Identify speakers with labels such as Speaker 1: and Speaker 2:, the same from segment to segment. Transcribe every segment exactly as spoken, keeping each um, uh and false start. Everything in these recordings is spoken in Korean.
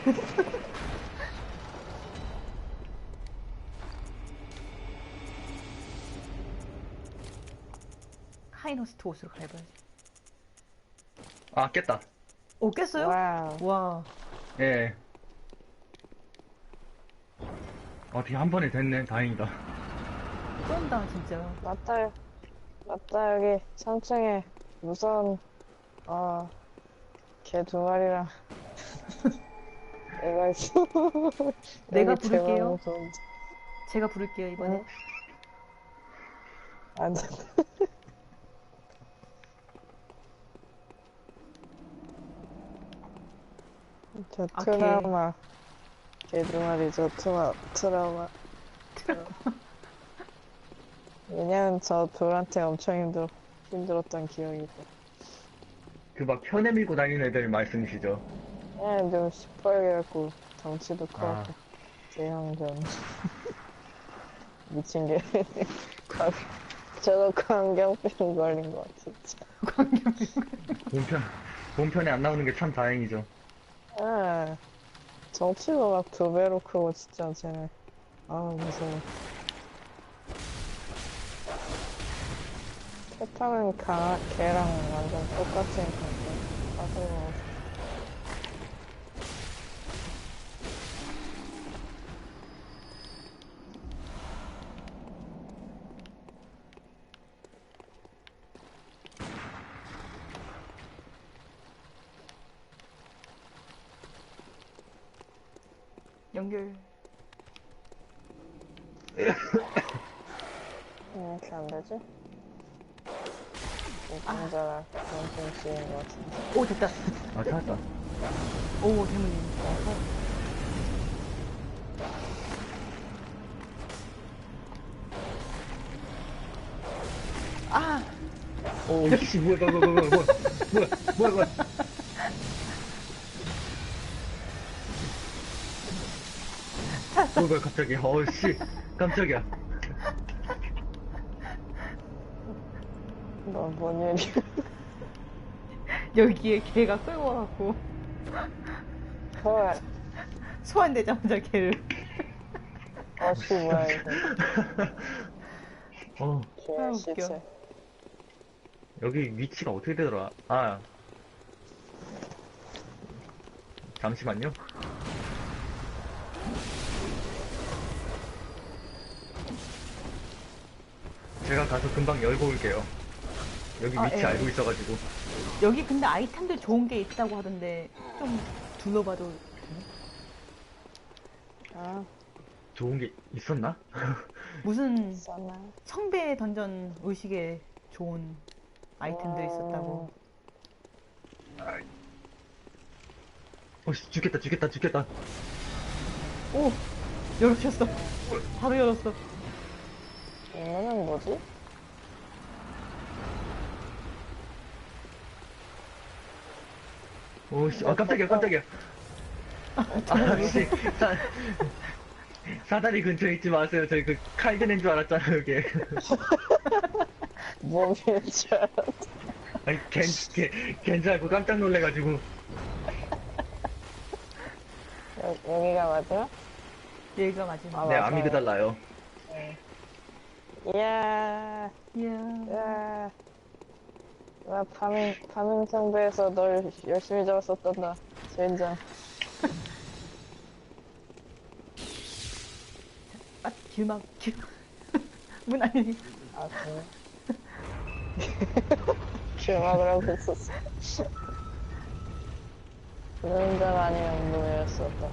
Speaker 1: 카이노스트 옷으로 갈아입어야지.
Speaker 2: 아, 깼다.
Speaker 1: 오, 깼어요?
Speaker 3: 와우.
Speaker 1: 와.
Speaker 2: 예. 어떻게 한 번에 됐네. 다행이다.
Speaker 1: 쩐다, 진짜.
Speaker 3: 맞다, 맞다, 여기 삼 층에 무서운, 어, 개 두 마리랑 애가 있어.
Speaker 1: 내가
Speaker 3: 여기
Speaker 1: 부를게요.
Speaker 3: 대박 무서운데.
Speaker 1: 제가 부를게요, 이번에.
Speaker 3: 응? 안 돼. 저
Speaker 1: 아,
Speaker 3: 트라우마. 개 두 마리, 저 트라, 트라우마. 왜냐면 저 둘한테 엄청 힘들, 힘들었던 기억이 있어.
Speaker 2: 그 막 편에 밀고 다니는 애들 말씀이시죠?
Speaker 3: 예, 좀 시뻘게 갖고, 덩치도
Speaker 2: 아.
Speaker 3: 커갖고, 대형전. 미친 게. 광- 저도 광경병 걸린 거 같아, 진짜.
Speaker 2: 본편, 본편에 안 나오는 게 참 다행이죠.
Speaker 3: 예. 정치도 막 두 배로 크고, 진짜, 쟤네. 아우, 무서워. 패턴은 가, 걔랑 완전 똑같으니까, 빠져요.
Speaker 1: 연결.
Speaker 3: 왜 이렇게 안 되지? 운전자랑 원통 쓰인 것 같은데.
Speaker 1: 오, 됐다.
Speaker 2: 아, 찾았다.
Speaker 1: 오, 대문님. 아,
Speaker 2: 오, 씨, 뭐야, 뭐야, 뭐야, 뭐야, 뭐야, 뭐야, 뭐야. 뭐야, 뭐야, 갑자기. 어우, 씨. 깜짝이야.
Speaker 3: 너 뭔 일이야?
Speaker 1: 여기에 개가 끌고 와갖고
Speaker 3: 헐.
Speaker 1: 소환되자마자 개를.
Speaker 3: 어씨, 뭐야, 이거.
Speaker 2: 어,
Speaker 1: 아,
Speaker 3: 개
Speaker 1: 웃겨.
Speaker 3: 시체.
Speaker 2: 여기 위치가 어떻게 되더라? 아. 잠시만요. 제가 가서 금방 열고 올게요. 여기
Speaker 1: 아,
Speaker 2: 위치
Speaker 1: 예.
Speaker 2: 알고 있어가지고.
Speaker 1: 여기 근데 아이템들 좋은 게 있다고 하던데 좀 둘러봐도 되나?
Speaker 3: 아,
Speaker 2: 좋은 게 있었나?
Speaker 1: 무슨
Speaker 3: 썼나?
Speaker 1: 성배 던전 의식에 좋은 아이템들 있었다고.
Speaker 2: 어, 씨, 죽겠다, 죽겠다, 죽겠다.
Speaker 1: 오! 열으셨어. 바로 열었어.
Speaker 3: 이거는 뭐지?
Speaker 2: 오, 씨, 아, 깜짝이야, 깜짝이야. 아, 씨. 사, 사다리 근처에 있지 마세요. 저희 그 칼 드는 줄 알았잖아요, 여기.
Speaker 3: 몸인 줄 알았다.
Speaker 2: 아니, 걘, 걔, 걘 줄 알고 깜짝 놀래가지고.
Speaker 3: 여, 여기가 맞아?
Speaker 1: 얘가 마지막.
Speaker 3: 아,
Speaker 2: 네,
Speaker 3: 맞아요.
Speaker 2: 아미그달 나요.
Speaker 3: 이야,
Speaker 1: 이야.
Speaker 3: 야. 나 파밍, 파밍 상대에서 널 열심히 잡았었단다. 젠장.
Speaker 1: 아, 길막, 길. 문 아니니.
Speaker 3: 아, 그래. 길막을 하고 있었어. 운전자가 아니면 문을 열었었다.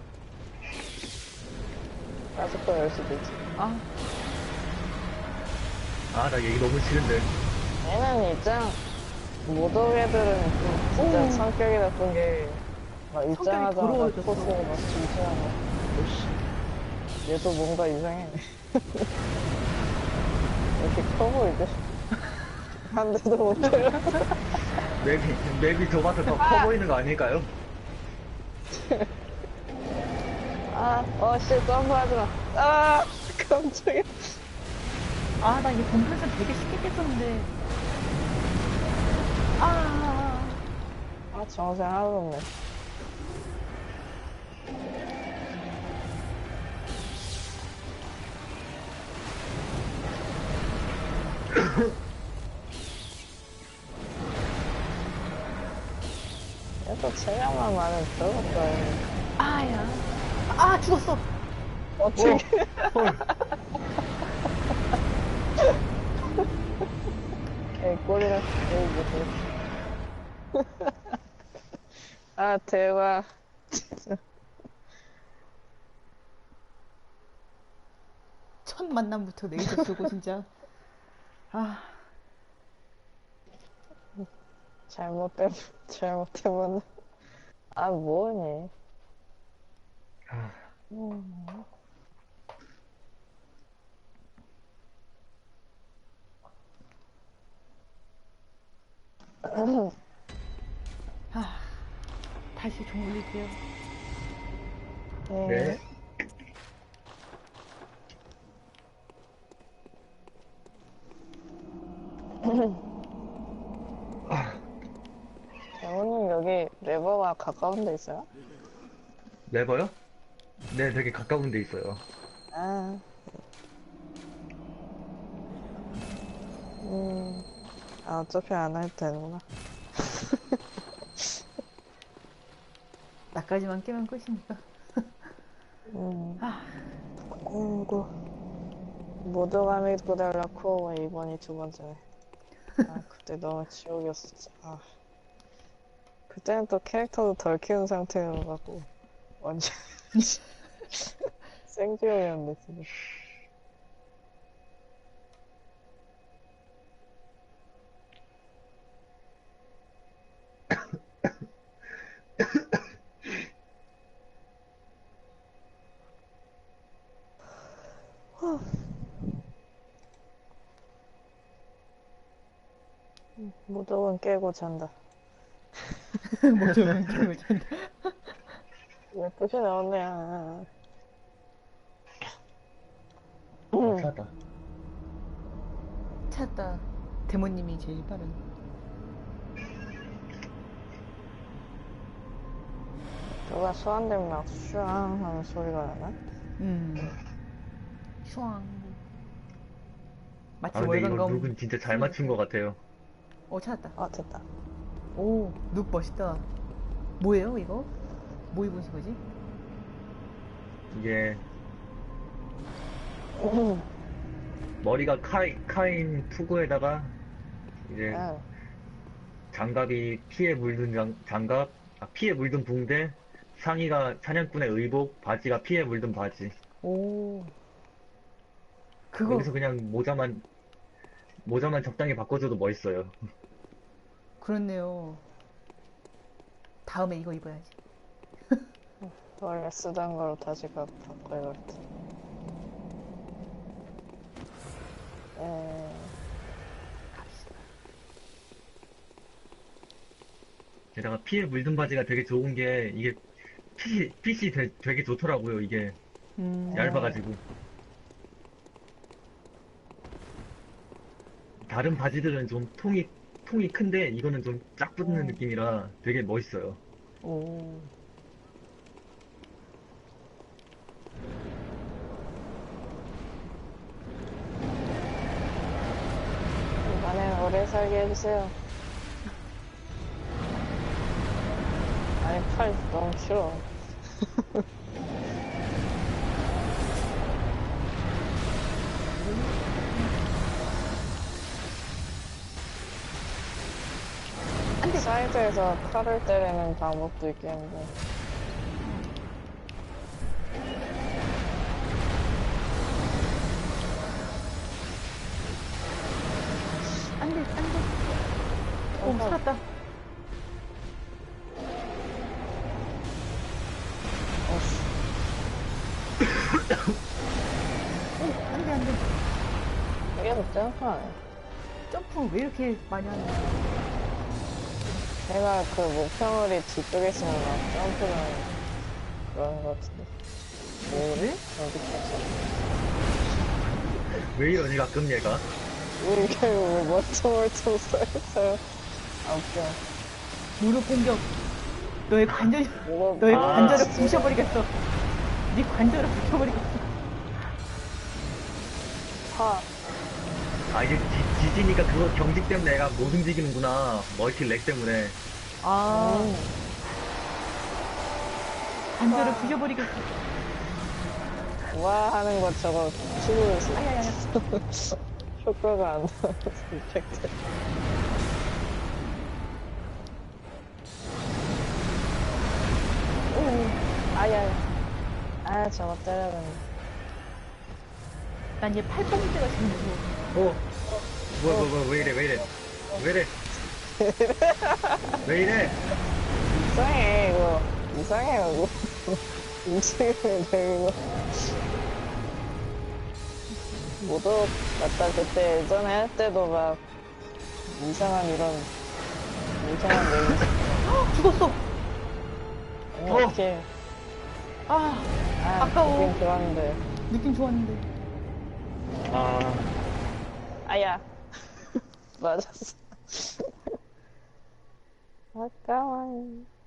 Speaker 3: 아직도 열 수도 있지.
Speaker 1: 아,
Speaker 2: 아, 나 얘기 너무 싫은데.
Speaker 3: 얘는 입장, 모독 애들은 좀 진짜
Speaker 1: 오.
Speaker 3: 성격이 나쁜 게, 막 입장하자마자
Speaker 1: 더러워졌어.
Speaker 3: 포스고 막 진지하고. 오씨. 얘도 뭔가 이상해. 이렇게 커 보이지? 한 대도 못 때려.
Speaker 2: 맵이, 맵이 좁아서 더 커 보이는 거 아닐까요?
Speaker 3: 아, 어, 씨, 점프하지 마. 아, 깜짝이야.
Speaker 1: 아, 나 이게 본편에서 되게 쉽게 깼었는데. 아,
Speaker 3: 아, 정생 하나도 없네. 체력만 많으면 별것도 아니야.
Speaker 1: 아야. 아, 죽었어.
Speaker 3: 어떻게.
Speaker 2: 헐.
Speaker 3: 에이, 꼴이라. 에이, 뭐. 아, 대박. 진짜.
Speaker 1: 첫 만남부터 레이저 쓰고, 진짜. 아,
Speaker 3: 잘못된, 잘못해보는. 아, 뭐니.
Speaker 2: 아,
Speaker 3: 음.
Speaker 1: 아. 다시 종 올릴게요.
Speaker 2: 네. 아,
Speaker 3: 장모님 여기 레버가 가까운 데 있어요?
Speaker 2: 레버요? 네, 되게 가까운 데 있어요.
Speaker 3: 아. 음. 아, 어차피 안 해도 되는구나.
Speaker 1: 나까지만 깨면 끝이니까.
Speaker 3: 음.
Speaker 1: 아,
Speaker 3: 아이고. 모두감이 고달라고 이번이 두 번째네. 아, 그때 너무 지옥이었어, 진짜. 아. 그때는 또 캐릭터도 덜 키운 상태여가지고 완전 생지옥이었는데 진짜. 무조건 깨고 잔다.
Speaker 1: 뭐좀 깨고 잔다.
Speaker 3: 예쁘게 나왔네. 아.
Speaker 2: 어, 찾았다.
Speaker 1: 찾았다. 데모님이 제일 빠른.
Speaker 3: 누가 소환되면 막 슈앙 하는 소리가 나나?
Speaker 1: 음. 슈앙. 마치
Speaker 2: 아, 근데 이거
Speaker 1: 월간검.
Speaker 2: 룩은 진짜 잘 맞춘 것 같아요.
Speaker 1: 어, 찾았다.
Speaker 3: 아, 됐다.
Speaker 1: 오, 룩 멋있다. 뭐예요, 이거? 뭐 입으신 거지?
Speaker 2: 이게
Speaker 3: 음.
Speaker 2: 머리가 카이, 카인 투구에다가 이제
Speaker 3: 아,
Speaker 2: 장갑이 피에 물든 장, 장갑, 아, 피에 물든 붕대, 상의가 사냥꾼의 의복, 바지가 피에 물든 바지.
Speaker 1: 오. 그거,
Speaker 2: 여기서 그냥 모자만 모자만 적당히 바꿔줘도 멋있어요.
Speaker 1: 그렇네요. 다음에 이거 입어야지.
Speaker 3: 원래 쓰던 거로 다시 가, 바꿔야겠다. 에,
Speaker 1: 갑시다.
Speaker 2: 게다가 피에 물든 바지가 되게 좋은 게 이게 핏이, 핏이 되, 되게 좋더라고요. 이게
Speaker 1: 음.
Speaker 2: 얇아가지고. 다른 바지들은 좀 통이 통이 큰데 이거는 좀 쫙 붙는
Speaker 3: 음.
Speaker 2: 느낌이라 되게 멋있어요.
Speaker 1: 오.
Speaker 3: 이번엔 오래 살게 해주세요. 아니, 팔 너무 길어. 사이드에서 칼을 때리는 방법도 있겠는데.
Speaker 1: 안 돼, 안 돼. 오,
Speaker 3: 어,
Speaker 1: 살았다.
Speaker 3: 어씨.
Speaker 1: 오, 안 돼, 안 돼.
Speaker 3: 이게 더 짱파네.
Speaker 1: 점프 왜 이렇게 많이 하는 거야?
Speaker 3: 제가 그 목표물이 뒤쪽에 있으면 막 점프는 그런 것 같은데. 뭐를? 어디까지?
Speaker 2: 왜 이러니 가끔 얘가.
Speaker 3: 왜 이렇게 왜 멀쩡멀쩡 써있어요? 아, 웃겨.
Speaker 1: 무릎 공격. 너의 관절,
Speaker 3: 이거,
Speaker 1: 너의
Speaker 2: 아,
Speaker 1: 관절을
Speaker 3: 진짜.
Speaker 1: 부셔버리겠어. 네 관절을 부셔버리겠어.
Speaker 3: 파.
Speaker 2: 아 이게 지, 지지니까 그거 경직 때문에 내가 못 움직이는구나. 멀티 렉 때문에.
Speaker 1: 아,
Speaker 3: 음.
Speaker 1: 관절을 부셔버리겠어.
Speaker 3: 와 하는 것 저거 추구해서
Speaker 1: 아야야야.
Speaker 3: 효과가 안 나와서 이펙트. 오, 아야. 아 저거 때려야 되는데.
Speaker 1: 난 얘 팔꿈치가 제일 무서워.
Speaker 2: 어? 뭐야, 뭐야, 뭐야, 왜 이래, 왜 이래. 왜 이래. 왜 이래.
Speaker 3: 이상해 이거. 이상해요 이거. 움직이면 돼 이거. 모독 맞다. 그때 예전에 할 때도 막 이상한 이런 이상한 내용.
Speaker 1: 죽었어.
Speaker 3: 어, 어떡해.
Speaker 1: 아,
Speaker 3: 아,
Speaker 1: 아까워.
Speaker 3: 느낌 좋았는데.
Speaker 1: 느낌 좋았는데.
Speaker 2: 아,
Speaker 3: 아야. 맞았어. 아까워.